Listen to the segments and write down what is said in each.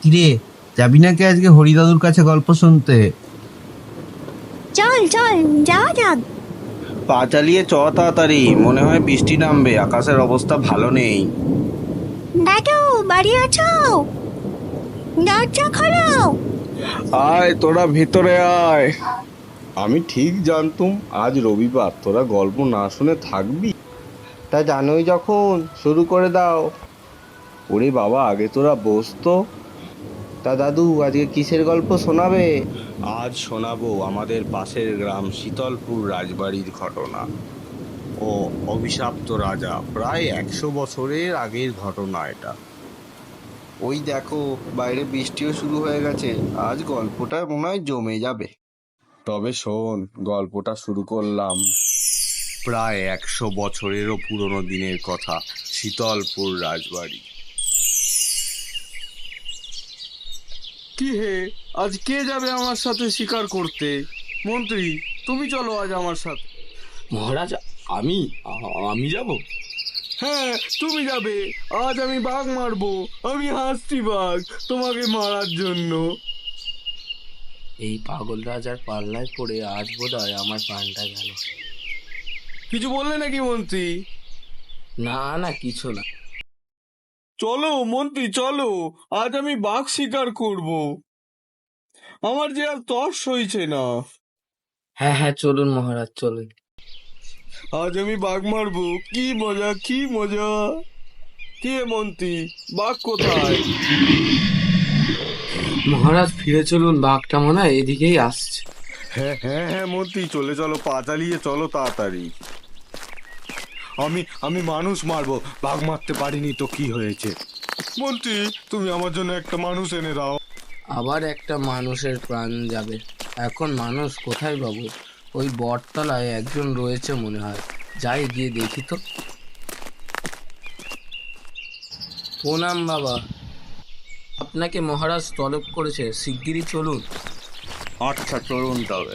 কিরে, যাবি নাকি আজকে হরিদাদুর কাছে গল্প শুনতে? চল চল যাওয়া যাক। পা চালিয়ে চ তাড়াতাড়ি, মনে হয় বৃষ্টি নামবে, আকাশের অবস্থা ভালো নেই। দাদু বাড়ি আছো? দরজা খোলো। আয় তোরা ভিতরে আয়। আমি ঠিক জানতুম আজ রবিবার তোরা গল্প না শুনে থাকবি। তা জানোই যখন শুরু করে দাও। ওরে বাবা, আগে তোরা বস তো। তা দাদু, আজকে কিসের গল্প শোনাবে? আজ শোনাবো আমাদের পাশের গ্রাম শীতলপুর রাজবাড়ির ঘটনা ও অভিশপ্ত রাজা। প্রায় 100 বছরের আগের ঘটনা এটা। ওই দেখো, বাইরে বৃষ্টিও শুরু হয়ে গেছে। আজ গল্পটা মনে হয় জমে যাবে। তবে শোন, গল্পটা শুরু করলাম। প্রায় 100 বছরেরও পুরনো দিনের কথা, শীতলপুর রাজবাড়ি। কি হে, আজ কে যাবে আমার সাথে শিকার করতে? মন্ত্রী, তুমি চলো আজ আমার সাথে। মহারাজ, আমি আমি যাব? হ্যাঁ, তুমি যাবে। আজ আমি বাঘ মারবো। আমি হাসছি বাঘ তোমাকে মারার জন্য। এই পাগল রাজার পাল্লায় পড়ে আজ বোধহয় আমার প্রাণটা গেল। কিছু বললে নাকি মন্ত্রী? না না, কিছু না। চলো মন্ত্রী, চলো, আজ আমি বাঘ শিকার করব। আমার যে আর তর সইছে না। হ্যাঁ হ্যাঁ, চলুন মহারাজ, চলুন। আজ আমি বাঘ মারবো। কি মজা, কি মজা। কে মন্ত্রী, বাঘ কোথায়? মহারাজ ফিরে চলুন, বাঘটা মনে হয় এদিকেই আসছে। হ্যাঁ হ্যাঁ হ্যাঁ মন্ত্রী, চলে চলো, পা চালিয়ে চলো তাড়াতাড়ি। আমি মানুষ মারবো, বাঘ মারতে পারিনি তো কি হয়েছে? মন্ত্রী, তুমি আমার জন্য একটা মানুষ এনে দাও। আবার একটা মানুষের প্রাণ যাবে? এখন মানুষ কোথায় পাবো? ওই বটতলায় একজন রয়েছে মনে হয়, যাই গিয়ে দেখি তো। প্রণাম বাবা, আপনাকে মহারাজ তলব করেছে, শিগগিরই চলুন। আচ্ছা চলুন তবে।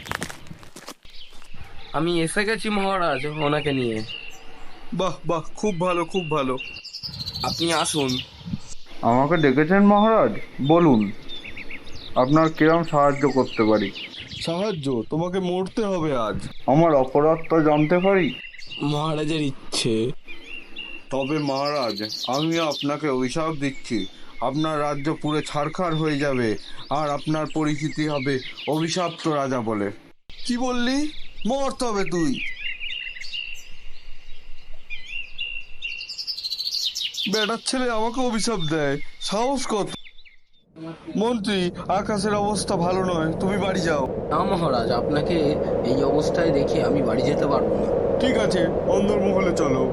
আমি এসে গেছি মহারাজ, ওনাকে নিয়ে। বাহ বাহ, খুব ভালো, খুব ভালো। আপনি আসুন। আমাকে ডেকেছেন মহারাজ, বলুন আপনার কিরম সাহায্য করতে পারি? সাহায্য? তোমাকে মরতে হবে আজ। আমার অপরাধটা জানতে পারি? মহারাজের ইচ্ছে। তবে মহারাজ, আমি আপনাকে অভিশাপ দিচ্ছি। আপনার রাজ্য পুরো ছারখার হয়ে যাবে, আর আপনার পরিচিতি হবে অভিশপ্ত রাজা বলে। কি বললি? মরতে হবে তুই। বেটার ছেলে আমাকে অভিশাপ দেয়, সাহস কত! মন্ত্রী, আকাশের অবস্থা ভালো নয়, তুমি বাড়ি যাও। না মহারাজ, আপনাকে এই অবস্থায় দেখে আমি বাড়ি যেতে পারবো না। ঠিক আছে, অন্দরমহলে চলো।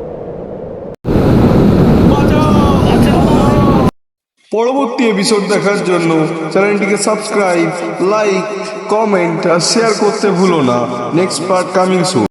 পরবর্তী এপিসোড দেখার জন্য চ্যানেলটিকে সাবস্ক্রাইব, লাইক, কমেন্ট আর শেয়ার করতে ভুলো না। নেক্সট পার্ট কামিং সুন।